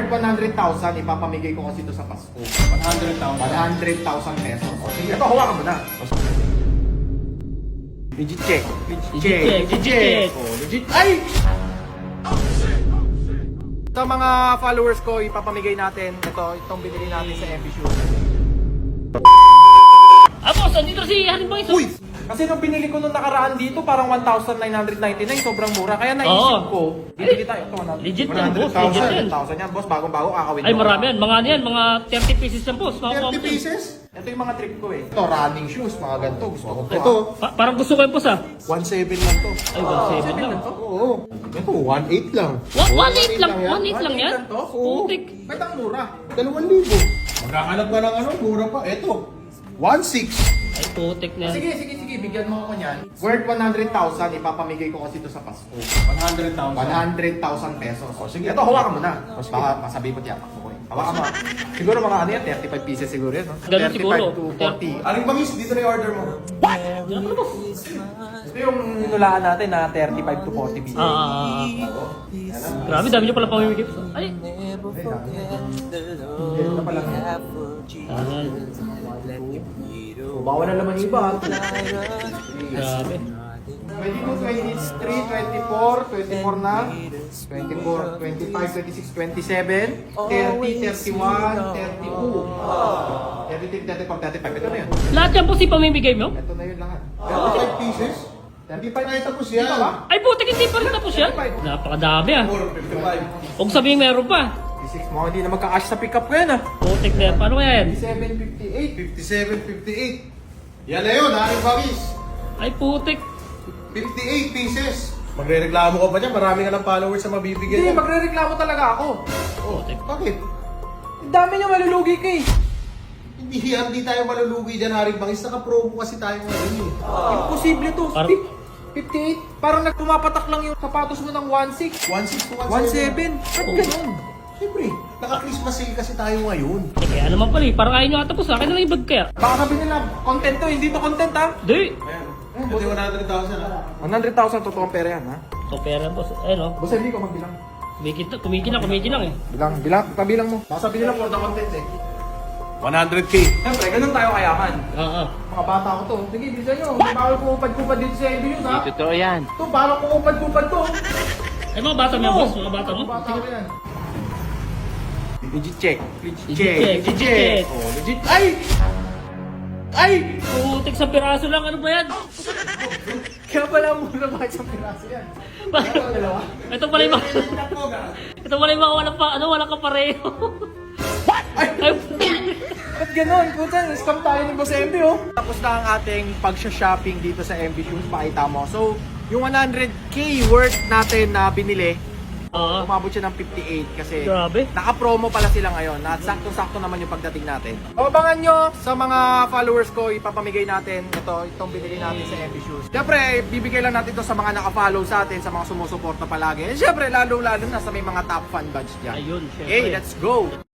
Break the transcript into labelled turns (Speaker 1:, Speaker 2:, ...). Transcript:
Speaker 1: Worth 100,000, ipapamigay ko kasi ito sa Pasko.
Speaker 2: 100,000.
Speaker 1: 100,000 pesos. O, sige, ito, hawakan mo na. Legit check.
Speaker 3: Legit check.
Speaker 1: Oh, legit. Ay! Sa mga followers ko, ipapamigay natin itong binili natin sa MB Shoes.
Speaker 3: Boss, andito si Haring Boys.
Speaker 1: Uy! Kasi nung binili ko nung nakaraan dito, parang 1,999, sobrang mura. Kaya naisip ko, bibili tayo. Ito,
Speaker 3: Legit yan, boss. Legit yan.
Speaker 1: 100,000 yan, boss. Bagong-bago, kakawin
Speaker 3: Ay, marami yan. Mga ano yan, mga 30 pieces yan, boss.
Speaker 1: 30 pieces? Ito yung mga trip ko eh. Ito, running shoes, mga ganito. Gusto ko to.
Speaker 2: Ito,
Speaker 3: Parang gusto ko yan, boss,
Speaker 2: 1.7 lang to.
Speaker 3: Ay, 1.7 lang.
Speaker 2: Oo. Ito, 1.8 lang.
Speaker 3: 1.8 lang. 1.8 lang
Speaker 1: 1.8
Speaker 3: yan.
Speaker 1: lang to?
Speaker 3: Putik.
Speaker 1: Ba't ang mura?
Speaker 2: 2,000. Magkakalap ka ng ano, mura pa. Ito, 1.6.
Speaker 3: Ay, putik na yan.
Speaker 1: Sige, bigyan mo ako niyan. Worth 100,000, ipapamigay ko kasi ito sa Pasko.
Speaker 2: 100,000.
Speaker 1: 100,000 pesos. O sige, ito, hawakan mo na. Baka masabi ko tiyapak mo ko eh. Hawakan mo. Siguro mga ano yan, 35 pieces siguro yan. No?
Speaker 3: Ganun
Speaker 1: 35
Speaker 3: siguro.
Speaker 1: to 40.
Speaker 2: Aling bangis, dito na yung order mo.
Speaker 3: Diyan ka na, boss.
Speaker 1: Ito yung ninulaan natin na 35 to 40 pieces.
Speaker 3: Grabe, dami niyo pala pamimigay. Ay.
Speaker 1: Ito pa lang yan.
Speaker 3: Ayan.
Speaker 1: Bawal na naman iba.
Speaker 3: Grabe.
Speaker 1: 22, 23, 24, 24 na. 24, 25, 26, 27, 30, 31, 32. 33, 34, 35. Ito na yun.
Speaker 3: Lahat yan, boss, ipamimigay mo?
Speaker 1: Ito na yun lahat.
Speaker 2: 35 pieces?
Speaker 1: 35
Speaker 2: Ay, tapos
Speaker 1: Di
Speaker 2: yan.
Speaker 1: ba ba?
Speaker 3: Ay, putik, hindi pa rin tapos yan. Napakadami ah.
Speaker 2: 55.
Speaker 3: Huwag sabihin meron pa.
Speaker 1: 56 mo, hindi na magka-cash sa pickup ko yan ah.
Speaker 3: Putik na yan. Paano kaya yan?
Speaker 1: 57, 58.
Speaker 2: 57, 58. Yan na yun, aling bangis.
Speaker 3: Ay, putik.
Speaker 2: 58 pieces. Magre-reklamo ka pa dyan, marami ka ng followers na mabibigyan.
Speaker 1: Hindi,
Speaker 2: yan.
Speaker 1: magre-reklamo talaga ako.
Speaker 2: Oh, bakit?
Speaker 1: Ang dami niya malulugi ka eh.
Speaker 2: Hindi tayo malulugi dyan, Haring Bangis. Naka-promo kasi tayo ngayon eh.
Speaker 1: Imposible to.
Speaker 3: Parang-
Speaker 1: 58. Parang nagpumapatak lang yung sapatos mo ng 16.
Speaker 2: 1.6 to
Speaker 1: 17. Ba't ganun?
Speaker 2: Siyempre, naka-Christmas sale kasi tayo ngayon.
Speaker 3: Eh, kaya naman pala eh. Parang ayaw nyo ata po sa akin na lang yung bag kaya.
Speaker 1: Baka sabi nila, content to, hindi to content ha?
Speaker 3: Di.
Speaker 2: Ayan. Ito yung 100,000 ha.
Speaker 1: 100,000 totoong pera yan ha?
Speaker 3: So, pera boss. Ayun o.
Speaker 1: Boss, hindi ko magbilang.
Speaker 3: Kumikinang eh.
Speaker 1: Bilang, pabilang mo. Baka sabi nila for the content eh.
Speaker 2: 100K.
Speaker 1: Siyempre, ganun tayo kayaman.
Speaker 3: Oo.
Speaker 1: Mga bata ko to. Sige, bilisan nyo. Hindi bawal kupad-kupad dito sa MB News ha?
Speaker 4: Totoo yan.
Speaker 1: Ito, parang kupad-kupad to.
Speaker 3: Ay, mga bata mo yan, boss. Mga bata mo.
Speaker 1: Mga bata ko yan. Legit check.
Speaker 3: Legit check.
Speaker 1: Oh, legit. Ay! Ay!
Speaker 3: Putik sa piraso lang. Ano ba yan?
Speaker 1: Kaya pala muna ba sa piraso yan? Dalawa.
Speaker 3: Ito pala yung mga... Ito pala yung mga walang kapareho.
Speaker 1: Ay! Ba't ganun? Puta, scam tayo ni Boss MB oh. Tapos na ang ating pag-shopping dito sa MB Shoes. Pakita mo. So, yung 100k worth natin na binili,
Speaker 3: Oo.
Speaker 1: umabot siya ng 58 kasi
Speaker 3: Grabe.
Speaker 1: naka-promo pala sila ngayon. At sakto-sakto naman yung pagdating natin. Abangan nyo sa mga followers ko, ipapamigay natin itong binili natin sa MB Shoes. Siyempre, bibigay lang natin ito sa mga naka-follow sa atin, sa mga sumusuporta palagi. And siyempre, lalo-lalo na sa may mga top fan badge dyan.
Speaker 3: Ayun, syempre.
Speaker 1: Okay, let's go!